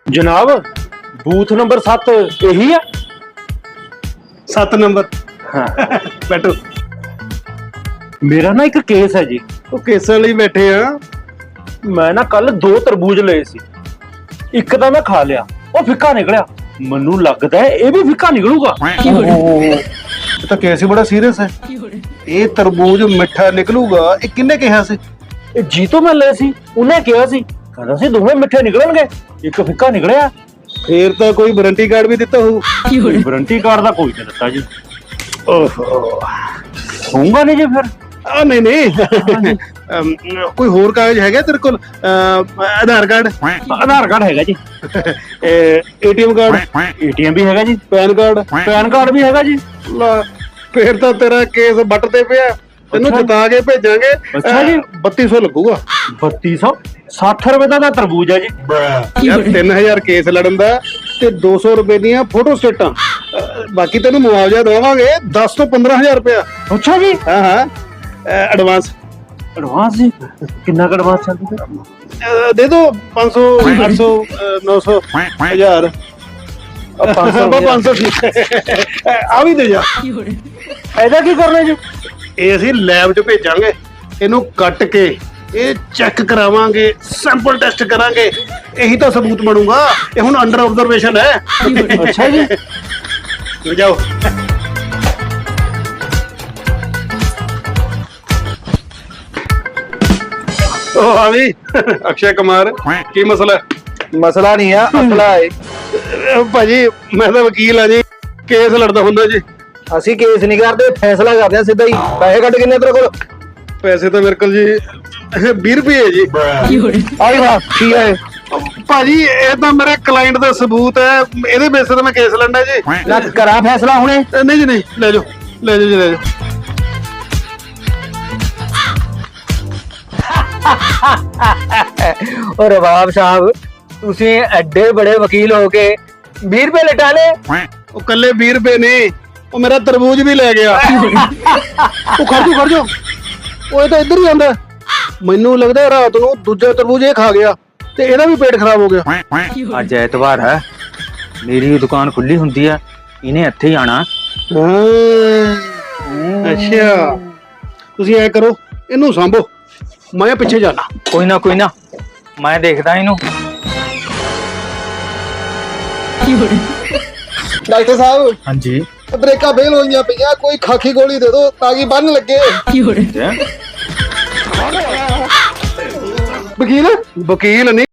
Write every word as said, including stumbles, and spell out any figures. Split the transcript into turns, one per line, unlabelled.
जनाब booth number सत्त यही है।
सत्त नंबर
हाँ।
बैठो।
मेरा ना एक केस है जी।
ਉਹ ਕੇਸਾਂ ਲਈ ਬੈਠੇ ਆ।
मैं ना कल दो तरबूज लए सी, एक ਤਾਂ मैं खा लिया, ਉਹ ਫਿੱਕਾ ਨਿਕਲਿਆ। ਮੈਨੂੰ ਲੱਗਦਾ ਹੈ ਇਹ ਵੀ ਫਿੱਕਾ ਨਿਕਲੂਗਾ।
ਇਹ ਤਾਂ ਕੇਸ ਹੀ ਬੜਾ ਸੀਰੀਅਸ ਹੈ। ਇਹ ਤਰਬੂਜ ਮਿੱਠਾ ਨਿਕਲੂਗਾ, ਇਹ ਕਿੰਨੇ ਕਿਹਾ ਸੀ?
ਇਹ ਜੀ ਤੋਂ ਮੈਂ ਲਏ ਸੀ, ਉਹਨੇ ਕਿਹਾ ਸੀ ਕਹਿੰਦਾ ਸੀ ਦੋਵੇਂ ਮਿੱਠੇ ਨਿਕਲਣਗੇ, ਇੱਕ ਫਿੱਕਾ ਨਿਕਲਿਆ।
ਫੇਰ ਤਾਂ ਕੋਈ ਵਾਰੰਟੀ ਕਾਰਡ ਵੀ ਦਿੱਤਾ ਹੋਊ।
ਵਾਰੰਟੀ ਕਾਰਡ ਦਾ ਕੋਈ ਨਹੀਂ ਦਿੱਤਾ ਜੀ। ਓਹੋ ਹੋਊਗਾ ਨਹੀਂ ਜੀ ਫਿਰ।
ਆ ਨਹੀਂ ਨਹੀਂ ਅਮ, ਕੋਈ ਹੋਰ ਕਾਗਜ਼ ਹੈਗਾ ਤੇਰੇ ਕੋਲ? ਅਮ, ਆਧਾਰ ਕਾਰਡ?
ਆਧਾਰ ਕਾਰਡ ਹੈਗਾ ਜੀ,
ਏਟੀਐਮ ਕਾਰਡ?
ਏਟੀਐਮ ਵੀ ਹੈਗਾ ਜੀ,
ਪੈਨ ਕਾਰਡ?
ਪੈਨ ਕਾਰਡ ਵੀ ਹੈਗਾ ਜੀ।
ਲਾ ਫੇਰ ਤਾਂ ਤੇਰਾ ਕੇਸ ਬੱਟ ਤੇ ਪਿਆ, ਤੈਨੂੰ ਜਿਤਾ ਕੇ ਭੇਜਾਂਗੇ।
ਅੱਛਾ ਜੀ।
ਬੱਤੀ ਸੌ ਲੱਗੂਗਾ।
ਬੱਤੀ ਸੌ ਸੱਠ ਰੁਪਏ ਦਾ ਤਾਂ ਤਰਬੂਜ ਹੈ ਜੀ।
ਯਾਰ ਤਿੰਨ ਹਜ਼ਾਰ ਕੇਸ ਲੜਨ ਦਾ ਤੇ ਦੋ ਸੌ ਰੁਪਏ ਦੀਆਂ ਫੋਟੋ ਸਟੇਟਾਂ, ਬਾਕੀ ਤੈਨੂੰ ਮੁਆਵਜ਼ਾ ਦੇਵਾਂਗੇ ਦਸ ਤੋਂ ਪੰਦਰਾਂ ਹਜ਼ਾਰ ਰੁਪਇਆ।
ਅੱਛਾ ਜੀ।
ਹਾਂ ਹਾਂ ਐਡਵਾਂਸ।
ਐਡਵਾਂਸ ਜੀ ਕਿੰਨਾ ਕੁ ਐਡਵਾਂਸ ਚੱਲਦਾ?
ਦੇ ਦੋ ਪੰਜ ਸੌ, ਅੱਠ ਸੌ, ਨੌ ਸੌ, ਹਜ਼ਾਰ।
ਪੰਜ ਸੌ
ਪੰਜ ਸੌ ਆ ਵੀ ਦੇ ਜਾ।
ਇਹਦਾ ਕੀ ਕਰਨਾ ਜੀ?
ਇਹ ਅਸੀਂ ਲੈਬ 'ਚ ਭੇਜਾਂਗੇ, ਇਹਨੂੰ ਕੱਟ ਕੇ ਇਹ ਚੈੱਕ ਕਰਾਵਾਂਗੇ, ਸੈਂਪਲ ਟੈਸਟ ਕਰਾਂਗੇ, ਇਹੀ ਤਾਂ ਸਬੂਤ ਬਣੂਗਾ। ਇਹ ਹੁਣ ਅੰਡਰ ਆਬਜ਼ਰਵੇਸ਼ਨ ਹੈ।
ਅੱਛਾ ਜੀ।
ਜਾਓ। ਉਹ ਆ ਵੀ ਅਕਸ਼ੇ ਕੁਮਾਰ, ਕੀ ਮਸਲਾ?
ਮਸਲਾ ਨਹੀਂ ਆ, ਅਸਲਾ ਹੈ।
ਅਹ ਭਾਜੀ ਮੈਂ ਤਾਂ ਵਕੀਲ ਆ ਜੀ, ਕੇਸ ਲੜਦਾ ਹੁੰਦਾ ਜੀ।
ਅਸੀਂ ਕੇਸ ਨਹੀਂ ਕਰਦੇ, ਫੈਸਲਾ ਕਰਦੇ ਆ ਸਿੱਧਾ ਹੀ। ਪੈਸੇ ਕੱਢ ਕਿੰਨੇ ਤੇਰੇ ਕੋਲ?
ਪੈਸੇ ਤਾਂ ਮੇਰੇ ਕੋਲ ਜੀ ਵੀਹ ਰੁਪਏ ਜੀ।
ਆਈ ਵਾਹ ਕੀ ਹੈ
ਭਾਜੀ ਇਹ ਤਾਂ ਮੇਰੇ ਕਲਾਇੰਟ ਦਾ ਸਬੂਤ ਹੈ, ਇਹਦੇ ਬੇਸ ਤੇ ਮੈਂ ਕੇਸ ਲੜਨਾ ਜੀ।
ਨਾ ਕਰਾਂ ਫੈਸਲਾ ਹੁਣੇ।
ਅਹ ਨਹੀਂ ਜੀ ਨਹੀਂ, ਲੈ ਜਾਓ ਲੈ ਜਾਓ ਜੀ ਲੈ ਜਾਓ।
और रबाब साहब ਤੁਸੀਂ ਐਡੇ ਬੜੇ ਵਕੀਲ ਹੋ ਕੇ ਵੀਹ ਰੁਪਏ ਲਟਾ ਲੇ।
ਉਹ ਕੱਲੇ ਵੀਹ ਰੁਪਏ ਨੇ, ਉਹ ਮੇਰਾ ਤਰਬੂਜ ਵੀ ਲੈ ਗਿਆ। ਉਹ ਖਰਜੋ ਖਰਜੋ, ਉਹ ਇਹ ਤਾਂ ਇੱਧਰ ਹੀ ਆਂਦਾ। ਮੈਨੂੰ ਲੱਗਦਾ ਰਾਤ ਨੂੰ ਦੂਜਾ ਤਰਬੂਜ ਇਹ ਖਾ ਗਿਆ ਤੇ ਇਹਦਾ ਵੀ ਪੇਟ ਖਰਾਬ ਹੋ ਗਿਆ।
ਅੱਜ ਐਤਵਾਰ ਹੈ, ਮੇਰੀ ਦੁਕਾਨ ਖੁੱਲੀ ਹੁੰਦੀ ਹੈ, ਇਹਨੇ ਇੱਥੇ ਹੀ ਆਣਾ।
ਅੱਛਾ ਤੁਸੀਂ ਐ ਕਰੋ, ਇਹਨੂੰ ਸਾਂਭੋ, ਮੈਂ ਪਿੱਛੇ ਜਾਣਾ।
ਕੋਈ ਨਾ ਕੋਈ ਨਾ, ਮੈਂ ਦੇਖਦਾ ਇਹਨੂੰ।
ਡਾਕਟਰ ਸਾਹਿਬ
ਹਾਂਜੀ
ਬ੍ਰੇਕਾਂ ਫੇਲ ਹੋਈਆਂ ਪਈਆਂ, ਕੋਈ ਖਾਕੀ ਗੋਲੀ ਦੇ ਦਿਓ ਤਾਂ ਕਿ ਬੰਨ ਲੱਗੇ। ਵਕੀਲ ਵਕੀਲ ਨਹੀਂ